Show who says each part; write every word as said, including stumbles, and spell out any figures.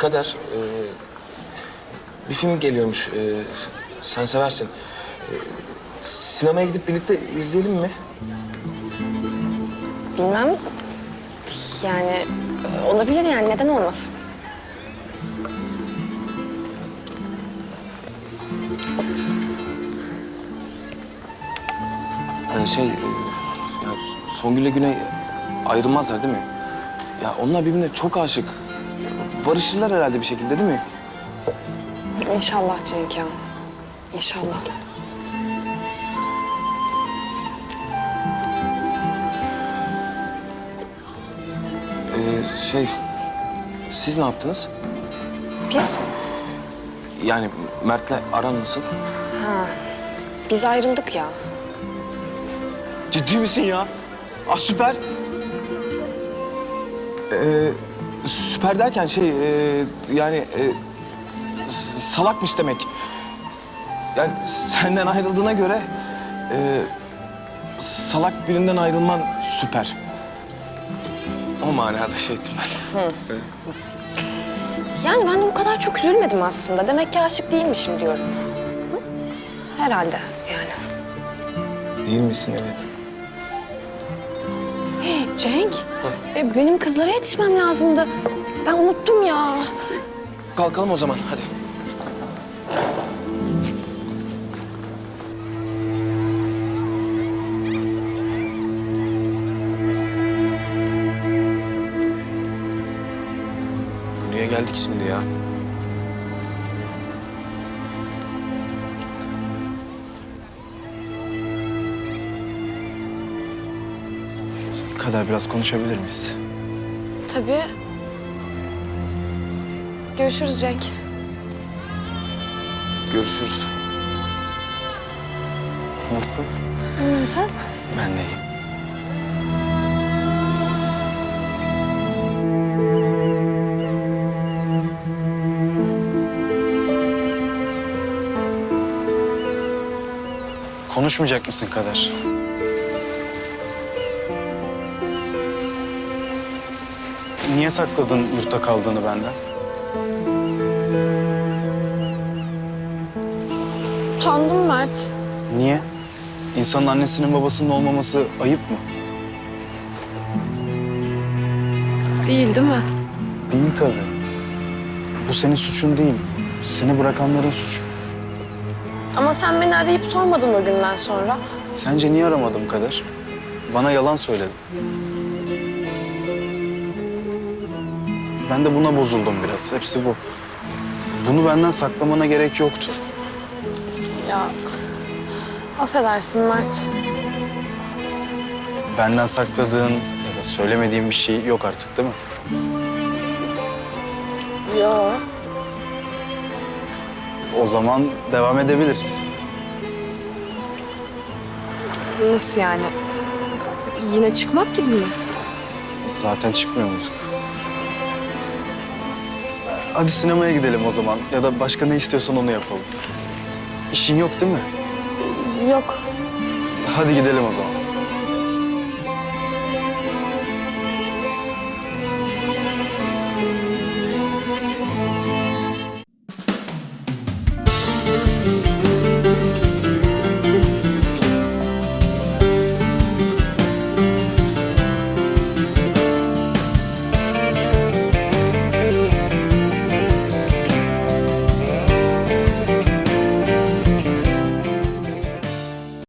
Speaker 1: Kader, e, bir film geliyormuş. E, sen seversin. E, sinemaya gidip birlikte izleyelim mi?
Speaker 2: Bilmem. Yani e, olabilir yani neden olmasın?
Speaker 1: E, şey, e, ya Songül'le Güney ayrılmazlar değil mi? Ya onlar birbirine çok aşık. Barışırlar herhalde bir şekilde değil mi?
Speaker 2: İnşallah Cenk ya. İnşallah.
Speaker 1: E, şey, siz ne yaptınız?
Speaker 2: Biz?
Speaker 1: Yani Mert'le aran nasıl?
Speaker 2: Ha. Biz ayrıldık ya.
Speaker 1: Ciddi misin ya? Ah süper. Ee, süper derken şey e, yani e, s- salakmış demek. Yani senden ayrıldığına göre e, salak birinden ayrılman süper. O manada şey ettim ben.
Speaker 2: Yani ben de bu kadar çok üzülmedim aslında. Demek ki aşık değilmişim diyorum. Hı? Herhalde yani.
Speaker 1: Değil misin evet.
Speaker 2: Cenk, e, benim kızlara yetişmem lazımdı. Ben unuttum ya.
Speaker 1: Kalkalım o zaman hadi. Niye geldik şimdi ya?
Speaker 3: Kader biraz konuşabilir miyiz?
Speaker 2: Tabii. Görüşürüz Cenk.
Speaker 1: Görüşürüz.
Speaker 3: Nasılsın?
Speaker 2: Anladım sen?
Speaker 3: Ben de iyiyim. Konuşmayacak mısın Kader? Niye sakladın yurtta kaldığını benden?
Speaker 2: Utandım Mert.
Speaker 3: Niye? İnsanın annesinin babasının olmaması ayıp mı?
Speaker 2: Değil değil mi?
Speaker 3: Değil tabii. Bu senin suçun değil. Seni bırakanların suçu.
Speaker 2: Ama sen beni arayıp sormadın o günden sonra.
Speaker 3: Sence niye aramadım Kader? Bana yalan söyledin. Ben de buna bozuldum biraz. Hepsi bu. Bunu benden saklamana gerek yoktu.
Speaker 2: Ya affedersin Mert.
Speaker 3: Benden sakladığın ya da söylemediğin bir şey yok artık değil mi?
Speaker 2: Yo.
Speaker 3: O zaman devam edebiliriz.
Speaker 2: Nasıl yani? Yine çıkmak gibi mi?
Speaker 3: Zaten çıkmıyor muyduk? Hadi sinemaya gidelim o zaman. Ya da başka ne istiyorsan onu yapalım. İşin yok değil mi?
Speaker 2: Yok.
Speaker 3: Hadi gidelim o zaman.